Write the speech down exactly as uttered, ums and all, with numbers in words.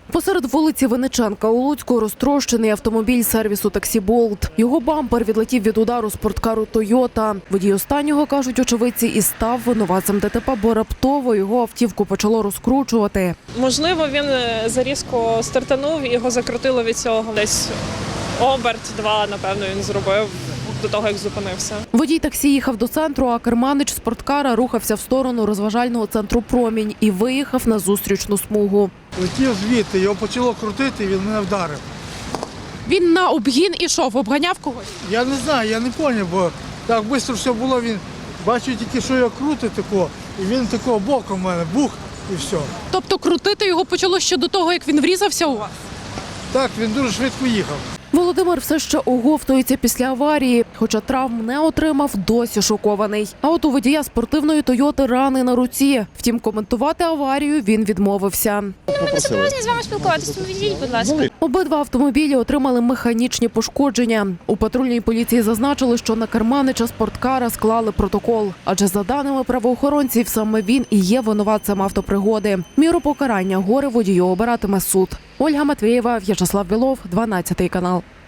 Посеред вулиці Винниченка у Луцьку розтрощений автомобіль сервісу «Таксі Болт». Його бампер відлетів від удару спорткару «Тойота». Водій останнього, кажуть очевидці, і став винуватцем ДТП, бо раптово його автівку почало розкручувати. Можливо, він зарізко стартанув і його закрутило від цього. Десь оберт-два, напевно, він зробив до того, як зупинився. Водій таксі їхав до центру, а керманич спорткара рухався в сторону розважального центру «Промінь» і виїхав на зустрічну смугу. Летів звідти, його почало крутити, він мене вдарив. Він на обгін ішов, обганяв когось? Я не знаю, я не зрозумів, бо так швидко все було, він бачив тільки, що його крутить тако, і він такого боком в мене, бух, і все. Тобто крутити його почало ще до того, як він врізався у вас? Так, він дуже швидко їхав. Володимир все ще оговтується після аварії, хоча травм не отримав, досі шокований. А от у водія спортивної «Тойоти» рани на руці. Втім, коментувати аварію він відмовився. Ми не зобов'язані з вами спілкуватися, тому відійдіть, будь ласка. Обидва автомобілі отримали механічні пошкодження. У патрульній поліції зазначили, що на керманича спорткара склали протокол. Адже за даними правоохоронців, саме він і є винуватцем автопригоди. Міру покарання горе водію обиратиме суд. Ольга Матвієва, В'ячеслав Білов, дванадцятий канал.